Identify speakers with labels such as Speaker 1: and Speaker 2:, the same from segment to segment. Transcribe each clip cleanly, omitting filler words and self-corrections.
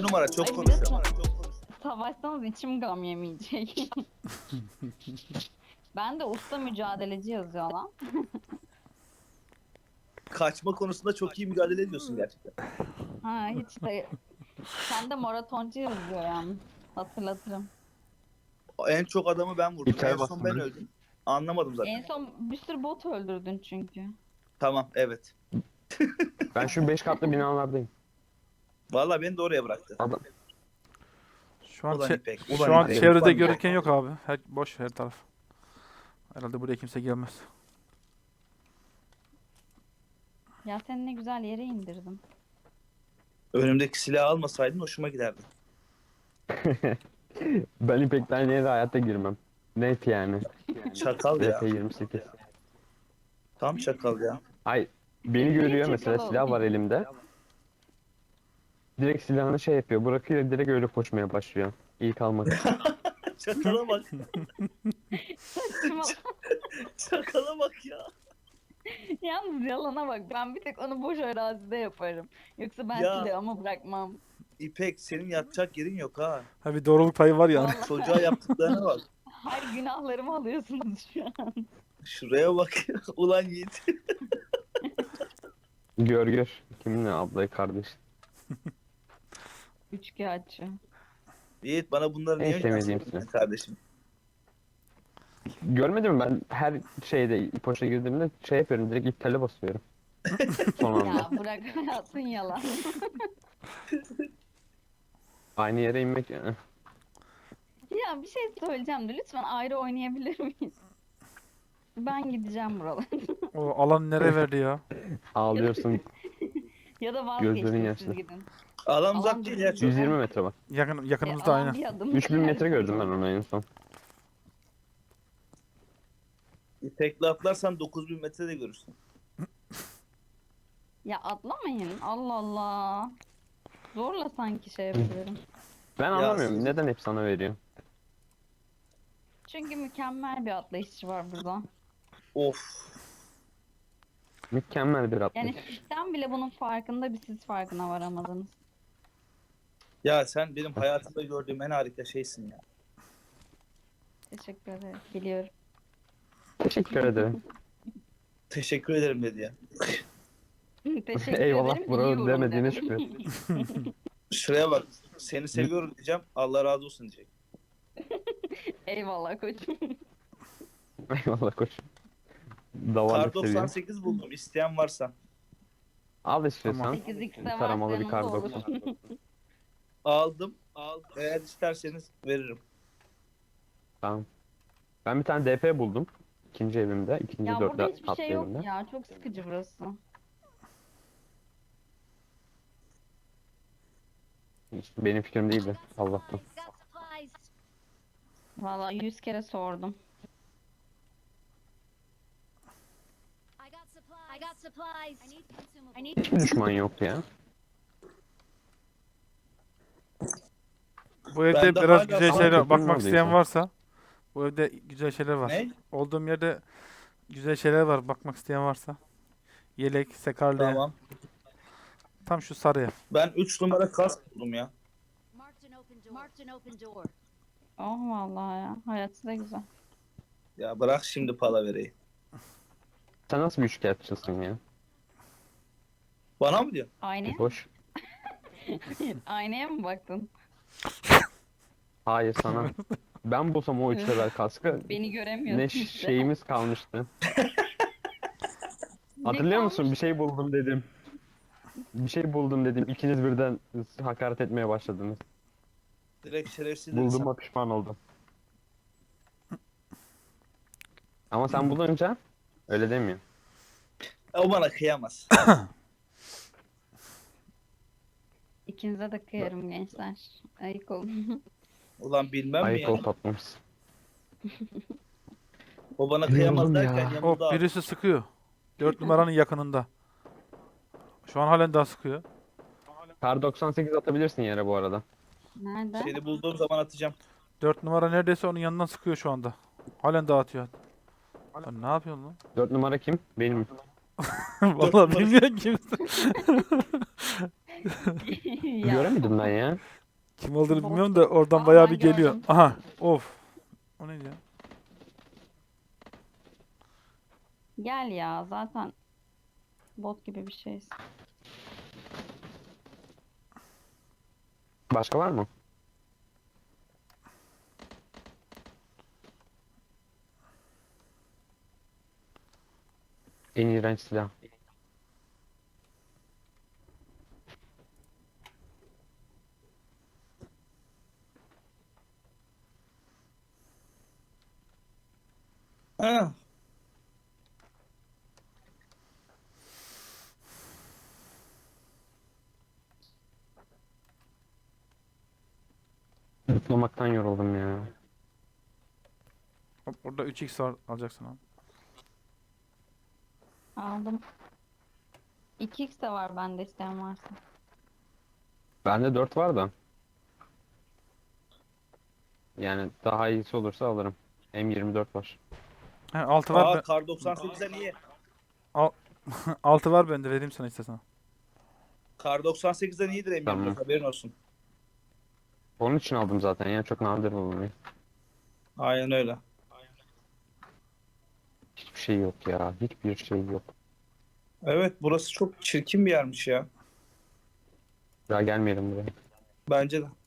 Speaker 1: numara çok
Speaker 2: Ay
Speaker 1: konuşuyor.
Speaker 2: biliyorsun, savaşsanız içim gam yemeyecek. Ben de usta mücadeleci yazıyor lan.
Speaker 1: Kaçma konusunda çok iyi mücadele ediyorsun gerçekten.
Speaker 2: Ha hiç de. Sen de maratoncu yazıyor yani. Hatırlatırım.
Speaker 1: En çok adamı ben vurdum.
Speaker 3: İptal
Speaker 1: En son ben
Speaker 3: bastım.
Speaker 1: öldüm. Anlamadım zaten.
Speaker 2: En son bir sürü bot öldürdün çünkü.
Speaker 1: Tamam evet.
Speaker 3: Ben şu 5 katlı binalardayım.
Speaker 1: Vallahi beni de oraya bıraktı.
Speaker 3: Adam.
Speaker 4: Şu an,
Speaker 1: Ulan İpek, ulan
Speaker 4: şu an
Speaker 1: İpek,
Speaker 4: çevrede
Speaker 1: ulan
Speaker 4: görürken yok abi. Boş her taraf. Herhalde buraya kimse gelmez.
Speaker 2: Ya seni ne güzel yere indirdim.
Speaker 1: Önümdeki silahı almasaydın hoşuma giderdi.
Speaker 3: Ben İpek'ten yere hayatta girmem. Net yani.
Speaker 1: Çakal ya.
Speaker 3: VP28.
Speaker 1: Tam çakal ya.
Speaker 3: Ay beni görüyor mesela,
Speaker 2: Çakal
Speaker 3: silah var
Speaker 2: oldu.
Speaker 3: elimde. Direkt silahını şey yapıyor, bırakıyor, direkt öyle koşmaya başlıyor. İlk almak için.
Speaker 1: Çakala bak.
Speaker 2: Saçma.
Speaker 1: Çakala bak ya.
Speaker 2: Yalnız yalana bak. Ben bir tek onu boş arazide yaparım. Yoksa ben
Speaker 1: Ya.
Speaker 2: silahımı bırakmam.
Speaker 1: İpek senin yatacak yerin yok ha.
Speaker 4: Ha bir doğruluk payı var yani.
Speaker 2: Vallahi
Speaker 1: Çocuğa yaptıklarına bak.
Speaker 2: her günahlarımı alıyorsunuz şu an.
Speaker 1: Şuraya bak ya. Ulan Yiğit.
Speaker 3: Gör. Kiminle ablayı kardeş.
Speaker 2: Üçkağıtçı.
Speaker 1: Yiğit bana bunları
Speaker 3: En
Speaker 1: niye
Speaker 3: sevmediğim
Speaker 1: önersin
Speaker 3: silah.
Speaker 1: kardeşim?
Speaker 3: Görmedin mi, ben her şeyde poşa girdiğimde şey yapıyorum, direkt iptale basıyorum. Son anda.
Speaker 2: Ya bırak hayatın yalan.
Speaker 3: Aynı yere inmek
Speaker 2: Ya bir şey söyleyeceğim de lütfen ayrı oynayabilir miyiz? Ben gideceğim buralardan.
Speaker 4: O alan nereye verdi ya?
Speaker 3: ağlıyorsun.
Speaker 2: Ya da
Speaker 3: Gözlerin
Speaker 2: vazgeçtim
Speaker 3: yaşlı.
Speaker 2: siz gidin.
Speaker 1: Alan
Speaker 2: Alan
Speaker 1: uzak değil ya çok.
Speaker 3: 120 metre var.
Speaker 4: Yakınımızda
Speaker 2: Alan
Speaker 4: aynen.
Speaker 2: bir adım
Speaker 3: 3000 metre
Speaker 2: ileride.
Speaker 3: gördüm ben onu en son.
Speaker 1: İpek'le atlarsan 9000 metrede görürsün.
Speaker 2: Ya atlamayın. Allah Allah. Zorla sanki şey yapıyorum.
Speaker 3: Ben anlamıyorum,
Speaker 1: siz-
Speaker 3: neden hep sana veriyor?
Speaker 2: Çünkü mükemmel bir atlayışçı var burada.
Speaker 1: Of.
Speaker 3: Mükemmel bir atlayış.
Speaker 2: Yani sistem bile bunun farkında, bir siz farkına varamadınız.
Speaker 1: Ya sen benim hayatımda gördüğüm en harika şeysin ya.
Speaker 2: Teşekkür ederim. Biliyorum.
Speaker 3: Teşekkür ederim.
Speaker 1: Teşekkür ederim dedi ya.
Speaker 2: Teşekkür
Speaker 3: Eyvallah
Speaker 2: ederim.
Speaker 3: bro
Speaker 2: biliyorum
Speaker 3: demediğine
Speaker 2: dedim.
Speaker 3: şükür.
Speaker 1: Şuraya bak. Seni seviyorum diyeceğim. Allah razı olsun diyecek.
Speaker 2: Eyvallah koçum.
Speaker 3: Eyvallah koç.
Speaker 1: Kar
Speaker 3: Davarlık seviyorum.
Speaker 1: 98 buldum. İsteyen varsa.
Speaker 3: Al istiyorsan.
Speaker 4: Tamam.
Speaker 2: 8x'e varsa
Speaker 3: Taramalı bir
Speaker 2: yanımda
Speaker 3: kar
Speaker 2: olur.
Speaker 3: 90.
Speaker 1: Aldım. Eğer isterseniz veririm.
Speaker 3: Tamam. Ben bir tane DP buldum. İkinci evimde. İkinci
Speaker 2: Ya burada
Speaker 3: dörtte
Speaker 2: hiçbir
Speaker 3: katlı
Speaker 2: şey yok
Speaker 3: evimde.
Speaker 2: ya. Çok sıkıcı burası.
Speaker 3: Benim fikrim değildi. Allah'tan.
Speaker 5: Got supplies.
Speaker 2: Vallahi 100 kere sordum.
Speaker 5: I got supplies. I need consumables. I need
Speaker 3: Hiçbir düşman yok ya.
Speaker 4: Bu evde
Speaker 1: Ben de
Speaker 4: biraz
Speaker 1: hala
Speaker 4: güzel
Speaker 1: sana
Speaker 4: şeyler
Speaker 3: kötü
Speaker 4: bakmak
Speaker 3: olmadı
Speaker 4: isteyen
Speaker 3: insan.
Speaker 4: varsa bu evde güzel şeyler var.
Speaker 1: Ne?
Speaker 4: Olduğum yerde güzel şeyler var bakmak isteyen varsa. Yelek, sekarlı.
Speaker 1: Tamam.
Speaker 4: Tam şu sarı ev.
Speaker 1: Ben 3 numara kask buldum ya.
Speaker 5: marked an open door. Marked an open door.
Speaker 2: Oh vallahi ya. Hayatı da güzel.
Speaker 1: Ya bırak şimdi palavereyi.
Speaker 3: Sen nasıl bir üçkağıtçısın ya?
Speaker 1: Bana mı diyorsun?
Speaker 2: Aynaya,
Speaker 3: Boş.
Speaker 2: aynaya mı baktın?
Speaker 3: Hayır sana. Ben bulsam o 3 level kaskı
Speaker 2: Beni göremiyorsun
Speaker 3: ne
Speaker 2: işte.
Speaker 3: şeyimiz kalmıştı. Hatırlıyor musun? Bir şey buldum dedim. Bir şey buldum dedim. İkiniz birden hakaret etmeye başladınız.
Speaker 1: Direkt şerefsiz
Speaker 3: Bulduğuma pişman oldum. Ama sen bulunca öyle demiyor.
Speaker 1: O bana kıyamaz.
Speaker 2: İkinize de kıyarım gençler. Ayık olun.
Speaker 1: Ulan bilmem mi
Speaker 3: Ayıp
Speaker 1: ya?
Speaker 3: ol tatlımız.
Speaker 1: O bana kıyamaz
Speaker 3: Yoruldum ya.
Speaker 1: derken yanımda
Speaker 4: Hop birisi sıkıyor. 4 numaranın yakınında. Şu an halen daha sıkıyor.
Speaker 3: Kar 98 atabilirsin yere bu arada.
Speaker 2: Nerede?
Speaker 1: seni bulduğum zaman atacağım.
Speaker 4: 4 numara neredeyse onun yanından sıkıyor şu anda. Halen dağıtıyor. Lan ne yapıyorsun lan?
Speaker 3: 4 numara kim? Benim.
Speaker 4: Vallahi bilmiyorum kimse.
Speaker 2: Ya,
Speaker 3: Göremedim ben ya.
Speaker 4: Kim olduğunu
Speaker 2: Bot.
Speaker 4: bilmiyorum da oradan
Speaker 2: Aa,
Speaker 4: bayağı
Speaker 2: ben
Speaker 4: bir geliyor.
Speaker 2: gördüm.
Speaker 4: Aha. Of. O neydi ya?
Speaker 2: Gel ya zaten bot gibi bir şeyiz.
Speaker 3: Başka var mı? En iğrenç silah.
Speaker 1: Ha,
Speaker 3: Zıplamaktan yoruldum ya.
Speaker 4: Hop, orada 3x var. Alacaksın abi.
Speaker 2: Aldım. 2x de var bende isteyen varsa.
Speaker 3: Bende 4 var da. Yani daha iyisi olursa alırım. M24 var.
Speaker 4: He, 6 var.
Speaker 1: aa kar 98'den iyi.
Speaker 4: 6 var bende. Vereyim sana istersen.
Speaker 1: Kar 98'den iyidir M24
Speaker 3: Tamam.
Speaker 1: haberin olsun.
Speaker 3: Onun için aldım zaten ya. Çok nadir bulunuyor.
Speaker 1: Aynen öyle.
Speaker 3: Hiçbir şey yok ya. Hiçbir şey yok.
Speaker 1: Evet burası çok çirkin bir yermiş ya.
Speaker 3: Daha gelmeyelim buraya.
Speaker 1: Bence de.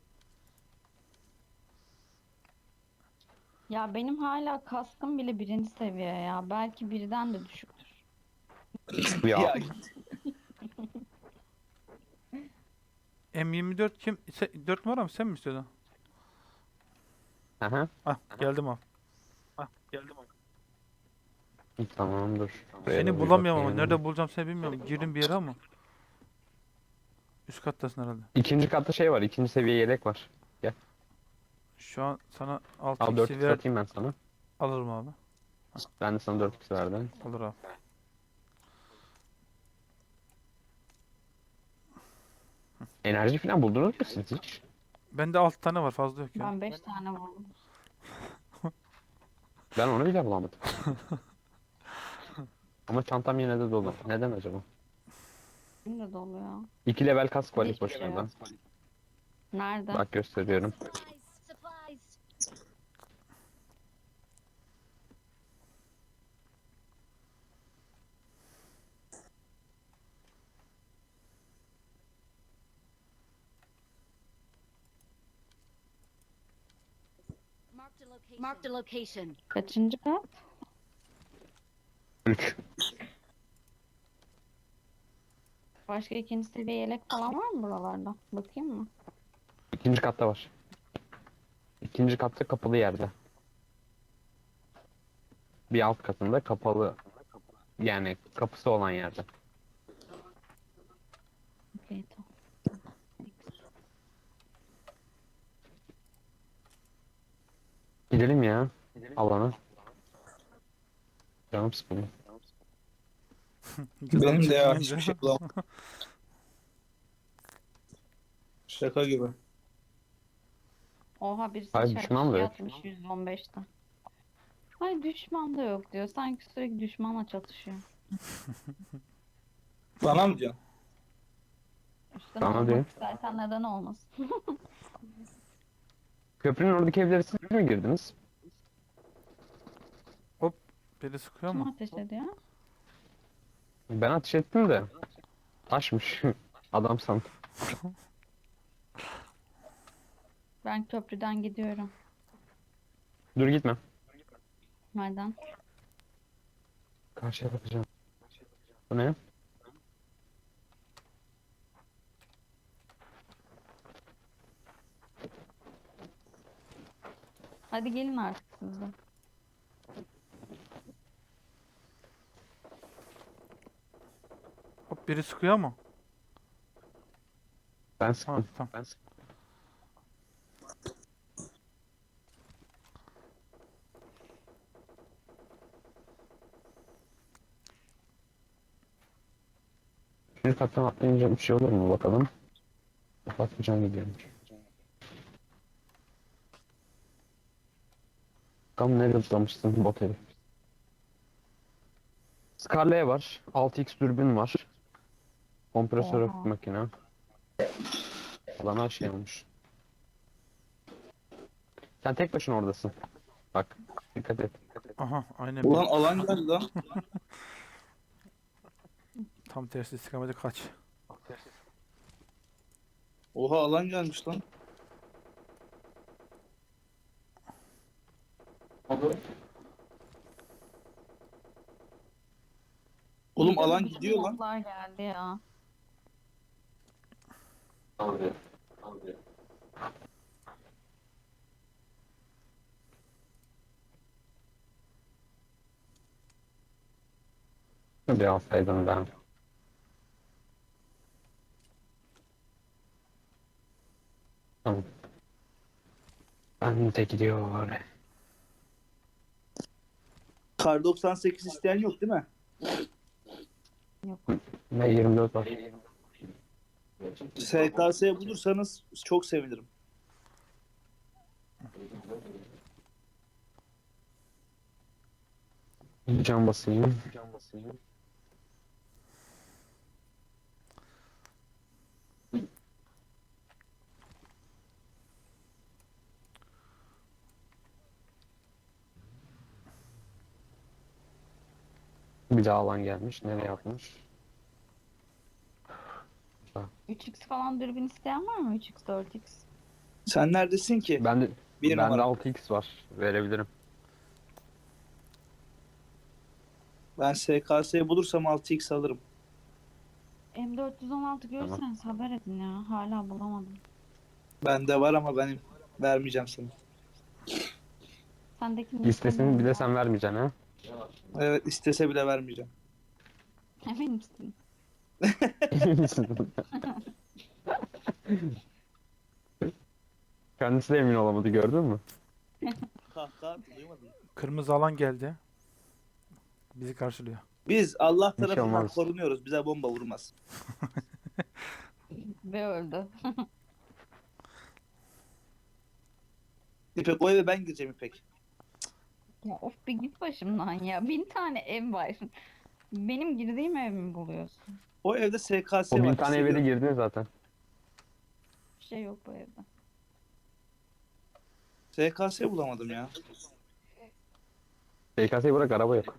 Speaker 2: Ya benim hala kaskım bile birinci seviye ya. Belki birden de düşüktür.
Speaker 3: Ya.
Speaker 1: Ya,
Speaker 4: M24 kim? 4 numara mı? Sen mi istiyordun?
Speaker 3: Aha.
Speaker 4: Ah geldim abi.
Speaker 3: Tamam dur. Buraya da
Speaker 4: Seni
Speaker 3: bir
Speaker 4: bulamıyorum ama.
Speaker 3: bakayım.
Speaker 4: Nerede bulacağım seni bilmiyorum. Girdim bir yere ama. Üst kattasın herhalde.
Speaker 3: İkinci katta şey var. İkinci seviye yelek var.
Speaker 4: Şu an sana
Speaker 3: Al
Speaker 4: 6x'i
Speaker 3: 4x
Speaker 4: ver.
Speaker 3: atayım ben sana.
Speaker 4: Alırım abi.
Speaker 3: Ben de sana 4x verdim.
Speaker 4: Olur abi.
Speaker 3: Enerji falan buldunuz mu siz hiç?
Speaker 4: Bende 6 tane var. Fazla yok ya.
Speaker 2: Ben 5 tane vurdum.
Speaker 3: Ben onu bile bulamadım. Ama çantam yine de dolu. Neden acaba?
Speaker 2: Benim de dolu ya.
Speaker 3: 2 level kask var ilk
Speaker 2: Hiçbir şey
Speaker 3: başlarda.
Speaker 2: yok. Nerede?
Speaker 3: Bak gösteriyorum.
Speaker 5: Supplies. Marked a location.
Speaker 2: Kaçıncı kat?
Speaker 3: 3.
Speaker 2: Başka ikinci seviye yelek falan var mı buralarda? Bakayım mı?
Speaker 3: İkinci katta var. İkinci katta kapalı yerde. Bir alt katında kapalı. Yani kapısı olan yerde.
Speaker 2: Okey tamam.
Speaker 3: Gidelim ya. Alana. Canım sıkılıyor.
Speaker 1: benim de ya
Speaker 4: Çekmeyince.
Speaker 1: hiçbir şey bulamadım. Şaka gibi.
Speaker 2: Oha birisi
Speaker 3: Hayır,
Speaker 2: chat
Speaker 3: düşman da yok.
Speaker 2: atmış 115'te. Ay düşman da yok diyor. Sanki sürekli düşmanla çatışıyor.
Speaker 1: Bana mı diyorsun?
Speaker 2: Üstten
Speaker 3: Bana
Speaker 2: almak
Speaker 3: diyor.
Speaker 2: istersen neden olmasın?
Speaker 3: Köprünün oradaki evlere siz mi girdiniz?
Speaker 4: Biri sıkıyor
Speaker 2: Kim
Speaker 4: mu?
Speaker 2: ateş ediyor?
Speaker 3: Ben ateş ettim de. Taşmış. Adam sandım.
Speaker 2: Ben köprüden gidiyorum.
Speaker 3: Dur gitme.
Speaker 2: Nereden?
Speaker 3: Karşıya bakacağım. Bu ne?
Speaker 2: Hadi gelin artık siz de.
Speaker 4: Hop biri sıkıyor mu?
Speaker 3: Ben
Speaker 4: Ha
Speaker 3: sıktım.
Speaker 4: tamam.
Speaker 3: Ben sıktım. Bir kattan atlayınca bir şey olur mu bakalım. Patlıcan gidiyormuş. Bakalım nereye zıplamışsın bot herif. Scarlet var. 6x dürbün var. Kompresör
Speaker 2: Oha.
Speaker 3: makine. Adam her şey olmuş. Sen tek başına oradasın. Bak dikkat et.
Speaker 4: Aha aynen.
Speaker 1: Ulan alan geldi lan.
Speaker 4: Tam tersi istikamete kaç.
Speaker 1: Oha alan gelmiş lan. Oğlum alan
Speaker 2: Bütün
Speaker 1: gidiyor lan.
Speaker 2: modlar geldi ya.
Speaker 3: Bir alsaydım ben. Tamam. Ben de gidiyor.
Speaker 1: Kar 98 isteyen yok değil mi?
Speaker 3: Ve 24 var.
Speaker 1: SKS bulursanız çok sevinirim.
Speaker 3: Can basayım. Bir daha alan gelmiş. Nereye atmış?
Speaker 2: 3x falan dürbün isteyen var mı? 3x, 4x.
Speaker 1: Sen neredesin ki?
Speaker 3: Bende
Speaker 1: Bir
Speaker 3: bende
Speaker 1: numara.
Speaker 3: 6x var. Verebilirim.
Speaker 1: Ben SKS bulursam 6x alırım.
Speaker 2: M416 görürseniz haber edin ya. Hala bulamadım.
Speaker 1: Bende var ama benim vermeyeceğim sana.
Speaker 2: Sendeki
Speaker 3: Listesini bile sen vermeyeceksin ha.
Speaker 1: Evet istese bile vermeyeceğim.
Speaker 2: Emin misin?
Speaker 3: Kendisi de emin olamadı gördün mü?
Speaker 1: Kahkaha duymadın.
Speaker 4: Kırmızı alan geldi. Bizi karşılıyor.
Speaker 1: Biz Allah
Speaker 3: Bir şey
Speaker 1: tarafından
Speaker 3: olmaz.
Speaker 1: korunuyoruz. Bize bomba vurmaz.
Speaker 2: Ve öldü.
Speaker 1: İpek o eve ben gireceğim İpek.
Speaker 2: Ya of bir git başımdan ya. 1000 tane ev var. Benim girdiğim ev mi buluyorsun?
Speaker 1: O evde SKS
Speaker 3: O
Speaker 1: var.
Speaker 3: 1000 tane eve de
Speaker 1: hissediyorum.
Speaker 3: girdin zaten.
Speaker 2: Bir şey yok bu evde.
Speaker 1: SKS bulamadım ya.
Speaker 3: SKS'yi bırak araba yok.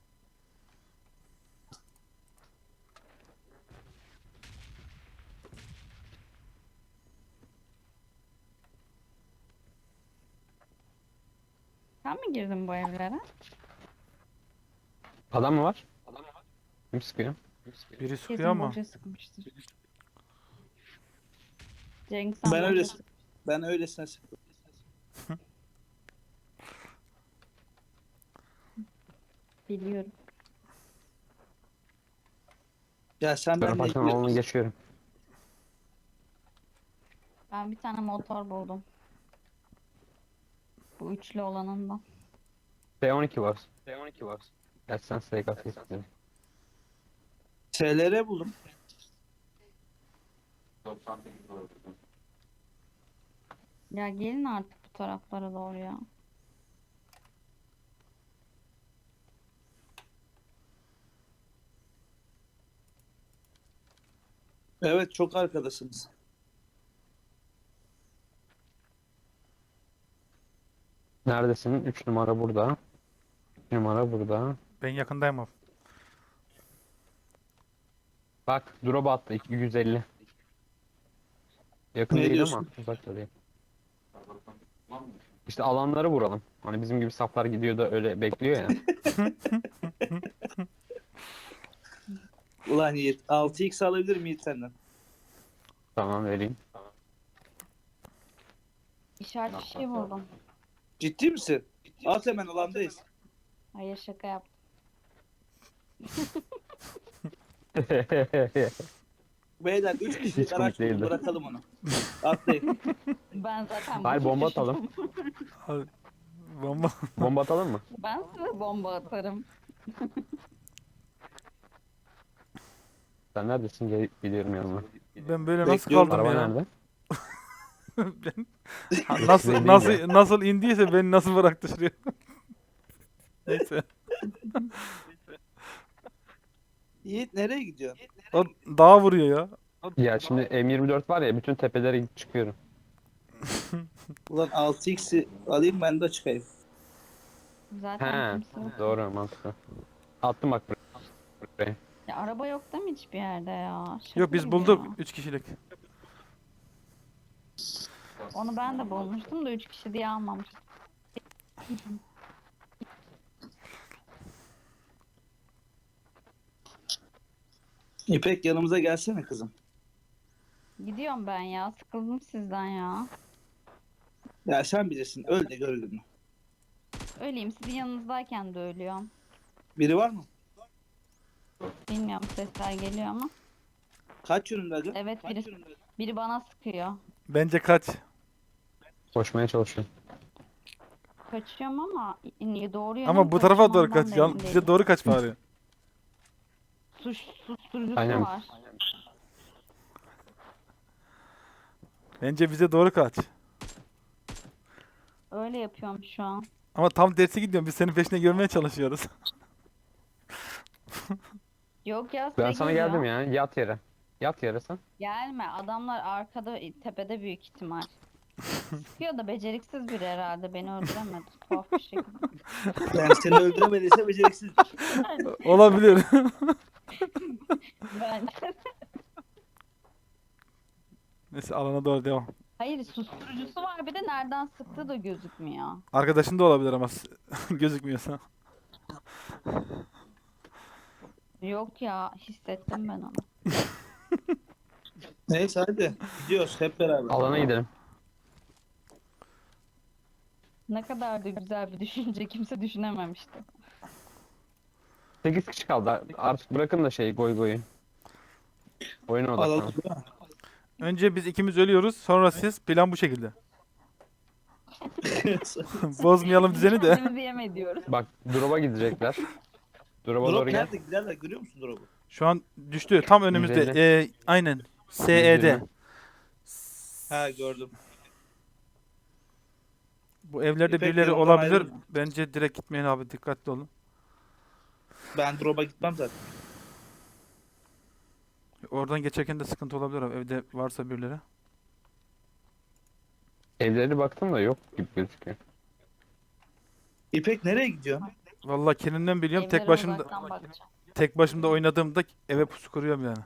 Speaker 2: Sen mi girdin bu evlere?
Speaker 3: Adam mı var? Kim sıkıyor?
Speaker 4: Biri sıkıyor
Speaker 2: Kesin
Speaker 4: ama.
Speaker 2: boşa sıkmıştır. Cenk sen
Speaker 1: Ben
Speaker 2: boşa
Speaker 1: öyle
Speaker 2: sık-
Speaker 1: ben öylesine sıktım.
Speaker 2: biliyorum.
Speaker 1: Ya sen
Speaker 3: Ben
Speaker 1: benimle
Speaker 3: ufaktan alanı geçiyorum.
Speaker 2: Ben bir tane motor buldum. Bu üçlü olanından.
Speaker 3: T12 var. T12 var. Gerçi sen SKS istiyorsun.
Speaker 1: SLR buldum.
Speaker 2: Ya gelin artık bu taraflara doğru ya.
Speaker 1: Evet çok arkadasınız.
Speaker 3: Neredesin? 3 numara burada. 3 numara burada.
Speaker 4: Ben yakındayım abi.
Speaker 3: Bak drop attı 150. Yakın
Speaker 1: Ne
Speaker 3: değil
Speaker 1: diyorsun?
Speaker 3: ama uzakta değil. İşte alanları vuralım. Hani bizim gibi saflar gidiyor da öyle bekliyor ya.
Speaker 1: Ulan Yiğit 6x alabilir miyim Yiğit senden?
Speaker 3: Tamam vereyim.
Speaker 2: İşaret fişeği buldum.
Speaker 1: Ciddi misin? At hemen alandayız.
Speaker 2: Hayır şaka yaptım.
Speaker 1: Beyler 3 kişilik
Speaker 3: Hiç komik
Speaker 1: araç buldum,
Speaker 3: değildi.
Speaker 1: bırakalım onu. Atlayın.
Speaker 2: Ben zaten
Speaker 3: Hayır bomba
Speaker 2: boşa
Speaker 3: atalım.
Speaker 4: Hadi. Bomba.
Speaker 3: Bomba atalım mı?
Speaker 2: Ben size bomba atarım.
Speaker 3: Sen neredesin? Gidiyorum yanına.
Speaker 4: Ben böyle nasıl
Speaker 1: Bekliyorum.
Speaker 4: kaldım
Speaker 3: Araba
Speaker 4: ya?
Speaker 3: nerede?
Speaker 4: Ben nasıl
Speaker 3: Değil
Speaker 4: nasıl
Speaker 3: ya.
Speaker 4: nasıl indiyse beni nasıl bıraktı şuraya? Neyse.
Speaker 1: Yiğit nereye gidiyorsun?
Speaker 4: O dağa vuruyor ya.
Speaker 3: Ya şimdi M24 var ya bütün tepelere çıkıyorum.
Speaker 1: Ulan 6x'i alayım ben de çıkayım.
Speaker 2: Zaten
Speaker 3: He,
Speaker 2: kimse yok.
Speaker 3: doğru, mantıklı. Attım bak buraya.
Speaker 2: Ya araba yok değil mi hiçbir yerde ya? Şaka
Speaker 4: Yok biz
Speaker 2: gibi
Speaker 4: bulduk
Speaker 2: ya.
Speaker 4: 3 kişilik.
Speaker 2: Onu ben de bulmuştum da 3 kişi diye almamıştım.
Speaker 1: İpek yanımıza gelsene kızım.
Speaker 2: Gidiyorum ben ya. Sıkıldım sizden ya.
Speaker 1: Ya sen bilirsin öl de gör gününü.
Speaker 2: Öleyim. Sizin yanınızdayken de ölüyorum.
Speaker 1: Biri var mı?
Speaker 2: Bilmiyorum, sesler geliyor ama.
Speaker 1: Kaç yönünde acaba?
Speaker 2: Evet, biri bana sıkıyor.
Speaker 4: Bence kaç.
Speaker 3: Koşmaya çalışıyorum.
Speaker 2: Kaçıyorum ama niye doğru yöne
Speaker 4: Ama
Speaker 2: mi
Speaker 4: bu tarafa doğru
Speaker 2: kaçacağım
Speaker 4: kaç.
Speaker 2: ondan da emin
Speaker 4: Bize
Speaker 2: değilim.
Speaker 4: doğru kaç bari.
Speaker 2: Susturucusu
Speaker 3: Aynen.
Speaker 2: var.
Speaker 4: Bence bize doğru kaç.
Speaker 2: Öyle yapıyorum şu an.
Speaker 4: Ama tam tersi gidiyorum. Biz senin peşine görmeye çalışıyoruz.
Speaker 2: Yok ya,
Speaker 3: Ben
Speaker 2: size
Speaker 3: sana
Speaker 2: geliyor.
Speaker 3: geldim ya. Yat yere. Yat yere sen.
Speaker 2: Gelme. Adamlar arkada, tepede büyük ihtimal. Sıkıyor da beceriksiz biri herhalde. Beni öldüremedi. Tuhaf bir şekilde.
Speaker 1: Yani seni öldüremediyse beceriksizdir.
Speaker 4: Olabilir.
Speaker 2: Bence.
Speaker 4: Neyse alana doğru devam.
Speaker 2: Hayır, susturucusu var, bir de nereden sıktığı da gözükmüyor.
Speaker 4: Arkadaşın da olabilir ama gözükmüyorsa.
Speaker 2: Yok ya, hissettim ben onu.
Speaker 1: Neyse hadi gidiyoruz hep beraber.
Speaker 3: Alana gidelim.
Speaker 2: Ne kadar da güzel bir düşünce, kimse düşünememişti.
Speaker 3: 8 kişi kaldı. Artık bırakın da goy goyu. Oyuna
Speaker 1: Alalım
Speaker 3: odaklanın.
Speaker 1: değil mi?
Speaker 4: Önce biz ikimiz ölüyoruz. Sonra siz. Plan bu şekilde. Bozmayalım düzeni de.
Speaker 2: Kendimizi yem ediyoruz.
Speaker 3: Bak drop'a gidecekler. Drop'a
Speaker 1: Drop
Speaker 3: doğru gel.
Speaker 1: nerede giderler görüyor musun drop'u?
Speaker 4: Şu an düştü. Tam önümüzde.
Speaker 3: 150.
Speaker 4: Aynen. SE'de.
Speaker 3: 120.
Speaker 1: Ha gördüm.
Speaker 4: Bu evlerde
Speaker 1: İpek
Speaker 4: birileri
Speaker 1: yoldan
Speaker 4: olabilir.
Speaker 1: ayrılma.
Speaker 4: Bence direkt gitmeyin abi. Dikkatli olun.
Speaker 1: Ben drop'a gitmem zaten.
Speaker 4: Oradan geçerken de sıkıntı olabilir abi. Evde varsa birileri.
Speaker 3: Evleri baktım da yok gibi gözüküyor.
Speaker 1: İpek nereye gidiyorsun?
Speaker 4: Vallahi kendinden biliyorum.
Speaker 2: Evlere uzaktan bakacağım.
Speaker 4: Tek başımda oynadığımda eve pusu kuruyorum yani.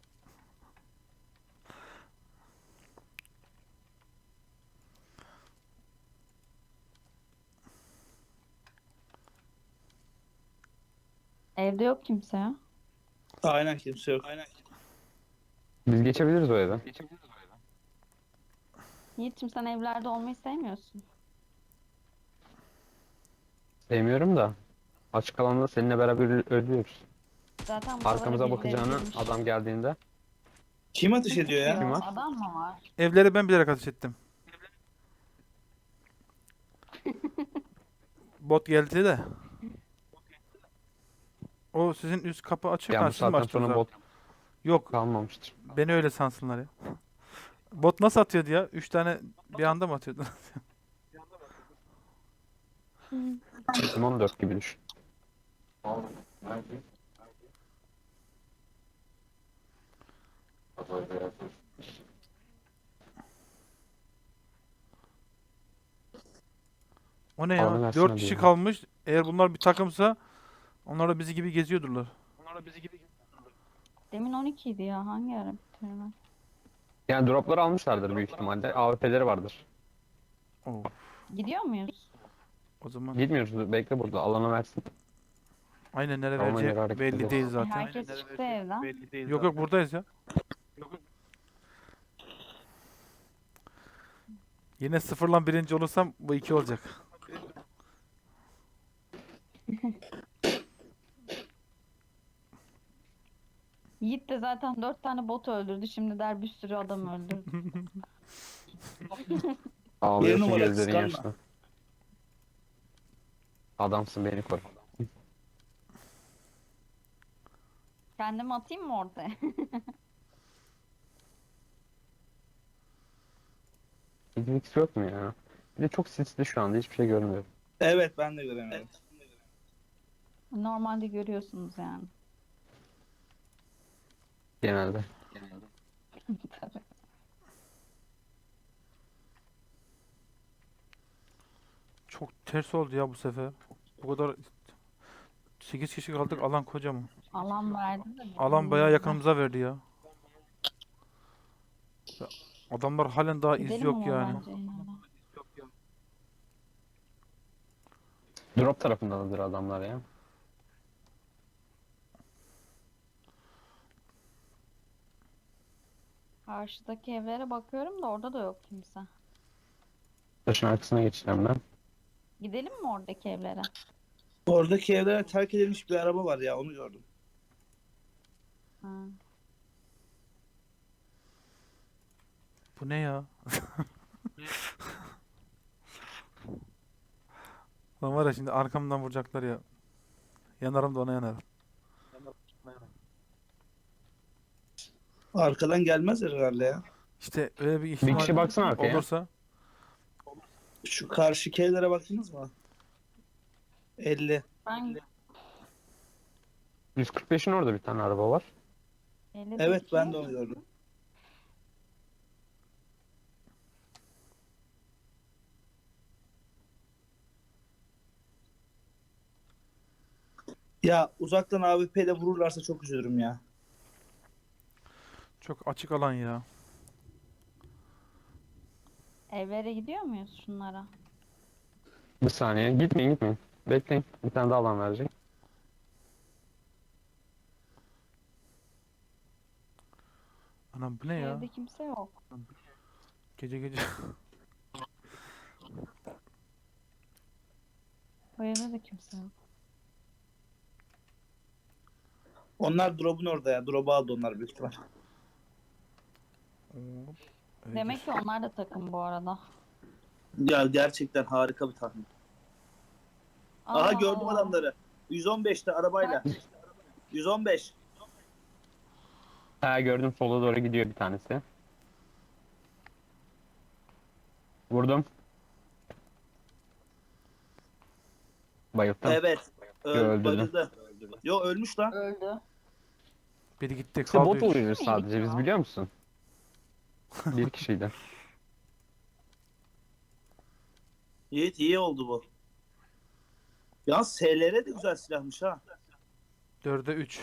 Speaker 2: Evde yok kimse ya.
Speaker 1: Aynen kimse yok.
Speaker 3: Biz geçebiliriz o eve.
Speaker 2: Yiğit'cim, sen evlerde olmayı sevmiyorsun.
Speaker 3: Sevmiyorum da. Açık alanda seninle beraber ölüyoruz.
Speaker 2: Zaten buralara
Speaker 3: Arkamıza
Speaker 2: birileri
Speaker 3: bakacağını
Speaker 2: girmiş.
Speaker 3: adam geldiğinde.
Speaker 1: Kim ateş ediyor ya?
Speaker 3: Kim var?
Speaker 2: Adam mı var?
Speaker 4: Evlere ben bilerek ateş ettim. Bot geldi de. O sizin üst kapı açık.
Speaker 3: Ya
Speaker 4: Ha,
Speaker 3: bu
Speaker 4: siz mi
Speaker 3: saatten
Speaker 4: açtınız
Speaker 3: sonra
Speaker 4: abi?
Speaker 3: bot
Speaker 4: Yok.
Speaker 3: kalmamıştır.
Speaker 4: Beni öyle sansınlar ya. Bot nasıl atıyordu ya? 3 tane bir anda mı atıyordu?
Speaker 3: Bizim 14 gibi düşün.
Speaker 4: O ne
Speaker 3: Alanı
Speaker 4: ya?
Speaker 3: versin
Speaker 4: 4
Speaker 3: hadi
Speaker 4: kişi
Speaker 3: ya.
Speaker 4: kalmış. Eğer bunlar bir takımsa onlar da bizi gibi geziyordurlar.
Speaker 2: Demin 12 idi ya. Hangi ara bitirme?
Speaker 3: Yani dropları almışlardır büyük ihtimalle. AWP'leri vardır.
Speaker 4: Oo,
Speaker 2: Gidiyor muyuz?
Speaker 4: o zaman
Speaker 3: Gitmiyoruz. Bekle burada. Alana versin.
Speaker 4: aynen nereye
Speaker 3: Tamam,
Speaker 4: vereceği
Speaker 3: göre hareket
Speaker 4: belli
Speaker 3: ederiz.
Speaker 4: değil zaten.
Speaker 2: Herkes çıktı evden.
Speaker 4: Yok yok buradayız ya. Yine sıfırlan birinci olursam bu 2 olacak.
Speaker 2: Yiğit de zaten 4 tane bot öldürdü. Şimdi der bir sürü adam öldürdü.
Speaker 3: Ağlıyorsun
Speaker 1: numara
Speaker 3: gözlerin
Speaker 1: kıskanma.
Speaker 3: yaşlı. Adamsın, beni koru.
Speaker 2: Kendimi atayım mı ortaya?
Speaker 3: Hiç yok mu ya? Bir de çok sisli şu anda. Hiçbir şey görmüyorum.
Speaker 1: Evet ben de göremedim.
Speaker 2: Normalde görüyorsunuz yani.
Speaker 3: Genelde.
Speaker 2: Tabii.
Speaker 4: ters oldu ya bu sefer. Bu kadar 8 kişi kaldık, alan kocaman.
Speaker 2: Alan verdi de
Speaker 4: Alan bayağı
Speaker 2: birbirimize.
Speaker 4: yakınımıza verdi ya. Ya, adamlar halen daha iz
Speaker 2: Gidelim
Speaker 4: yok
Speaker 2: ama
Speaker 4: yani.
Speaker 2: bence yine de.
Speaker 3: Drop tarafındadır adamlar ya.
Speaker 2: Karşıdaki evlere bakıyorum da orada da yok kimse.
Speaker 3: Taşın arkasına geçeceğim ben.
Speaker 2: Gidelim mi oradaki evlere?
Speaker 1: Oradaki evlere terk edilmiş bir araba var ya, onu gördüm.
Speaker 2: Ha.
Speaker 4: Bu ne ya? Lan var ya, şimdi arkamdan vuracaklar ya. Yanarım da ona yanarım.
Speaker 1: Arkadan gelmezler herhalde ya.
Speaker 4: İşte öyle bir
Speaker 3: Bir
Speaker 4: ihtimal
Speaker 3: kişi baksana arkaya.
Speaker 4: olursa
Speaker 1: Şu karşıki evlere baktınız mı? 50.
Speaker 2: Ben
Speaker 3: 145'in orada bir tane araba var.
Speaker 2: 50
Speaker 1: Evet, ben de onu gördüm. Ya uzaktan AWP ile vururlarsa çok üzülürüm ya.
Speaker 4: çok açık alan ya.
Speaker 2: Evlere gidiyor muyuz şunlara?
Speaker 3: Bir saniye. Gitmeyin. Bekleyin. Bir tane daha alan verecek.
Speaker 4: Anam bu ne ya?
Speaker 2: Evde kimse yok.
Speaker 4: Gece gece.
Speaker 2: Bu evde de kimse yok.
Speaker 1: Onlar drop'un orada ya. Drop'u aldı onlar büyük ihtimal.
Speaker 4: Hop, öyle
Speaker 2: Demek ki onlar da takım bu arada.
Speaker 1: Ya gerçekten harika bir tahmin. Aha, gördüm
Speaker 2: Allah.
Speaker 1: adamları. 115'te arabayla. 115.
Speaker 3: Ha gördüm, sola doğru gidiyor bir tanesi. Vurdum. Bayılttım.
Speaker 1: Evet.
Speaker 3: Öldürdüm.
Speaker 1: Bayıldı. Yo, ölmüş lan.
Speaker 2: Öldü.
Speaker 4: Biri gitti,
Speaker 3: İşte
Speaker 4: kaldı
Speaker 3: bot
Speaker 4: 3.
Speaker 3: oluyoruz sadece, biz biliyor musun? Bir kişiydi.
Speaker 1: Yiğit, iyi oldu bu. Yalnız SLR de güzel silahmış ha.
Speaker 4: 4'e 3.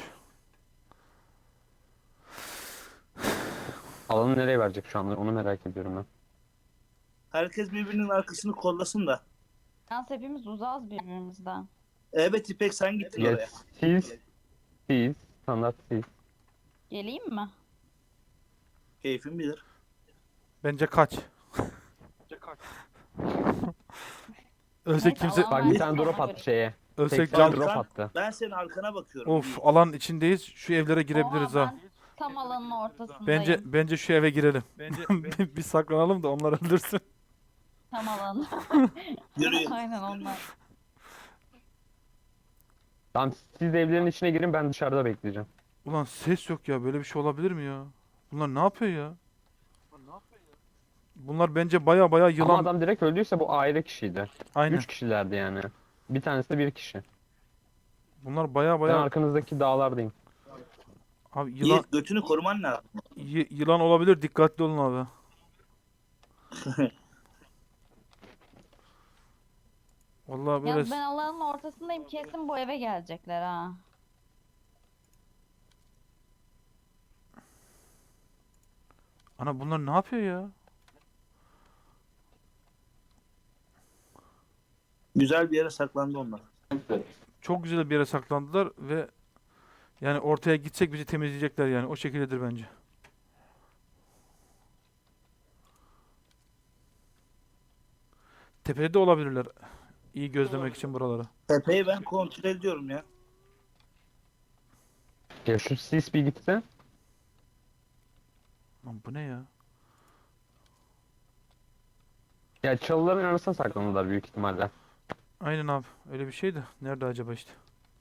Speaker 3: Alanı nereye verecek şu anda, onu merak ediyorum ben.
Speaker 1: Herkes birbirinin arkasını kollasın da.
Speaker 2: Yalnız hepimiz uzağız birbirimizden.
Speaker 1: Evet İpek, sen gittin oraya.
Speaker 3: Ya siz, standart siz.
Speaker 2: Geleyim mi?
Speaker 1: Keyfin bilir.
Speaker 4: Bence kaç. Ölsek
Speaker 2: Neyse,
Speaker 4: kimse...
Speaker 2: alan
Speaker 3: Bak bir
Speaker 2: versin,
Speaker 3: tane drop
Speaker 2: ona
Speaker 3: attı
Speaker 2: göre.
Speaker 3: şeye.
Speaker 4: Ölsek
Speaker 3: 80
Speaker 4: can...
Speaker 3: drop
Speaker 1: Arkan-
Speaker 3: attı.
Speaker 1: Ben senin arkana bakıyorum.
Speaker 4: Of,
Speaker 1: Yiğit.
Speaker 4: alan içindeyiz. Şu evlere girebiliriz
Speaker 2: Oha,
Speaker 4: ha.
Speaker 2: ben tam alanın ortasındayım.
Speaker 4: Bence şu eve girelim. Bir saklanalım da onlar öldürsün.
Speaker 2: Tam alanın.
Speaker 1: Yürüyün.
Speaker 2: Aynen onlar.
Speaker 3: Tamam, siz de evlerin içine girin, ben dışarıda bekleyeceğim.
Speaker 4: Ulan ses yok ya. Böyle bir şey olabilir mi ya? Bunlar ne yapıyor ya? Bunlar bence baya
Speaker 3: Ama
Speaker 4: yılan.
Speaker 3: adam direkt öldüyse bu aile kişiydi.
Speaker 4: Aynen.
Speaker 3: 3 kişilerdi yani. Bir tanesi de bir kişi.
Speaker 4: Bunlar baya
Speaker 3: Ben arkanızdaki dağlardayım.
Speaker 4: Abi yılan
Speaker 1: Yiğit, götünü koruman lazım.
Speaker 4: yılan olabilir. Dikkatli olun abi. Vallahi böyle
Speaker 2: Yalnız ben alanın ortasındayım. Kesin bu eve gelecekler ha.
Speaker 4: ana bunlar ne yapıyor ya?
Speaker 1: Güzel bir yere saklandı onlar.
Speaker 4: Çok güzel bir yere saklandılar ve yani ortaya gitsek bizi temizleyecekler yani. O şekildedir bence. Tepede de olabilirler. İyi gözlemek için buraları.
Speaker 1: Tepeyi ben kontrol ediyorum ya.
Speaker 3: Ya şu sis bir gitse.
Speaker 4: Lan bu ne ya?
Speaker 3: Ya çalıların arasına saklandılar büyük ihtimalle.
Speaker 4: Aynen abi. Öyle bir şeydi. Nerede acaba işte?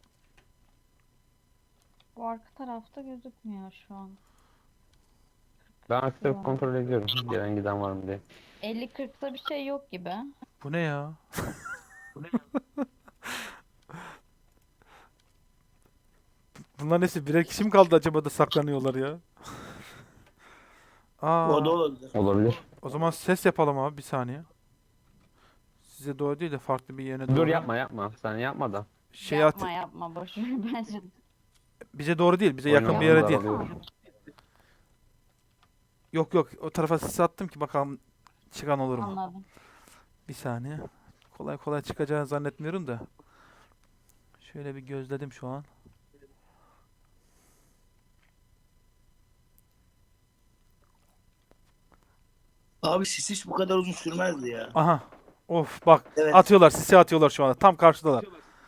Speaker 2: Bu arka tarafta gözükmüyor şu an.
Speaker 3: Ben arka tarafı kontrol ediyorum. Gelen giden var mı diye.
Speaker 2: 50-40'ta bir şey yok gibi.
Speaker 4: Bu ne ya? Bunlar nesi? Birer kişi mi kaldı acaba da saklanıyorlar ya?
Speaker 1: O da
Speaker 4: Aa,
Speaker 1: olabilir.
Speaker 3: Olabilir.
Speaker 4: o zaman ses yapalım abi bir saniye. size doğru değil de farklı bir yerine doğru.
Speaker 3: Dur yapma. Sen yapma da.
Speaker 4: Şey at,
Speaker 2: Yapma boş ver bence.
Speaker 4: bize doğru değil, bize yakın bir
Speaker 3: Oynayalım,
Speaker 4: yere değil.
Speaker 3: daralıyor.
Speaker 4: Yok yok, o tarafa sis attım ki bakalım çıkan olur mu?
Speaker 2: Anladım.
Speaker 4: Bir saniye. Kolay kolay çıkacağını zannetmiyorum da. Şöyle bir gözledim şu an.
Speaker 1: Abi sis hiç bu kadar uzun sürmezdi ya.
Speaker 4: Aha. Of bak,
Speaker 1: Evet.
Speaker 4: atıyorlar, sisi atıyorlar şu anda. Tam karşıdalar.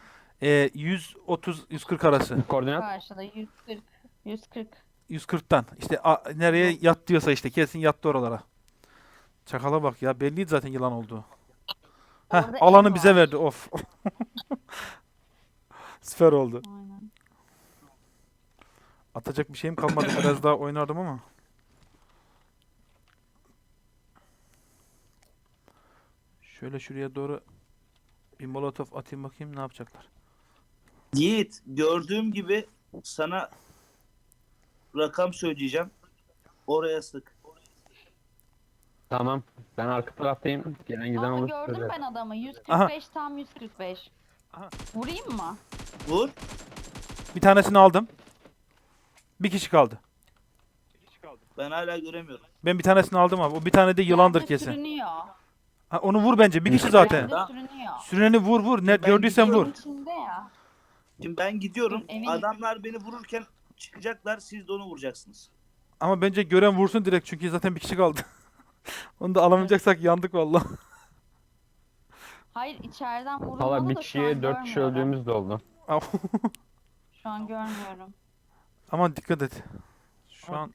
Speaker 4: 130-140 arası.
Speaker 3: Koordinat.
Speaker 2: Karşıda 140. 140.
Speaker 4: 140'tan. İşte nereye yat diyorsa işte kesin yattı oralara. Çakala bak ya, belliydi zaten yılan olduğu. Heh,
Speaker 2: Orada
Speaker 4: alanı
Speaker 2: ev
Speaker 4: bize
Speaker 2: var.
Speaker 4: verdi. Of. Süper oldu.
Speaker 2: Aynen.
Speaker 4: Atacak bir şeyim kalmadı. Biraz daha oynardım ama. Şöyle şuraya doğru bir molotof atayım, bakayım ne yapacaklar.
Speaker 1: Yiğit, gördüğüm gibi sana rakam söyleyeceğim. Oraya sık.
Speaker 3: Tamam. Ben arka taraftayım. Gelen giden
Speaker 2: Aa,
Speaker 3: olur.
Speaker 2: gördüm
Speaker 3: Söyle.
Speaker 2: ben adamı. 145 tam 145.
Speaker 4: Aha.
Speaker 2: Vurayım mı?
Speaker 1: Vur.
Speaker 4: Bir tanesini aldım. Bir kişi kaldı.
Speaker 1: Ben hala göremiyorum.
Speaker 4: Ben bir tanesini aldım abi. O bir tane de yılandır
Speaker 2: Bence
Speaker 4: kesin.
Speaker 2: Sürünüyor.
Speaker 4: Ha, onu vur bence. Bir kişi zaten.
Speaker 2: Bence sürünüyor.
Speaker 4: Süreni vur vur. Ne
Speaker 1: Ben
Speaker 4: gördüysen vur.
Speaker 1: gidiyorum.
Speaker 2: İçinde ya.
Speaker 1: Şimdi ben gidiyorum.
Speaker 2: Dur, emin-
Speaker 1: Adamlar beni vururken çıkacaklar. Siz de onu vuracaksınız.
Speaker 4: Ama bence gören vursun direkt çünkü zaten bir kişi kaldı. Onu da alamayacaksak yandık vallahi.
Speaker 2: Hayır içeriden vurulmalı
Speaker 3: Valla bir
Speaker 2: da şu
Speaker 3: kişiye
Speaker 2: an
Speaker 3: 4 kişi
Speaker 2: görmüyorum.
Speaker 3: öldüğümüz de oldu.
Speaker 2: Şu an görmüyorum.
Speaker 4: Aman dikkat et. Şu an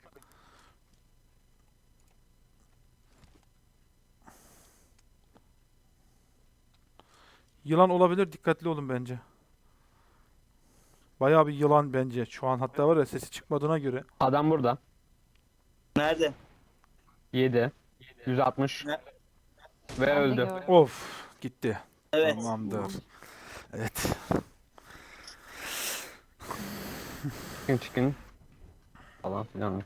Speaker 4: yılan olabilir. Dikkatli olun bence. Bayağı bir yılan bence. Şu an hatta var ya, sesi çıkmadığına göre.
Speaker 3: Adam burada.
Speaker 1: Nerede?
Speaker 3: 7. 160.
Speaker 1: Ne?
Speaker 3: Ve
Speaker 2: Ben de
Speaker 3: öldü.
Speaker 2: gördüm.
Speaker 4: Of gitti.
Speaker 1: Evet.
Speaker 4: Tamamdır. Evet.
Speaker 3: Çıkın. Falan filan.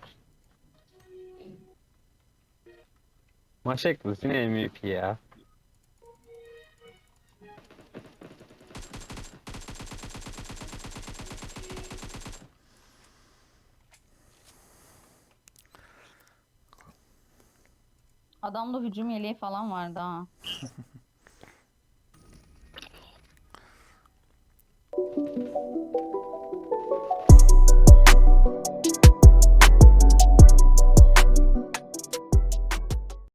Speaker 3: Maç ekliyorsun yine MVP ya.
Speaker 2: Adamda hücum yeleği falan vardı ha.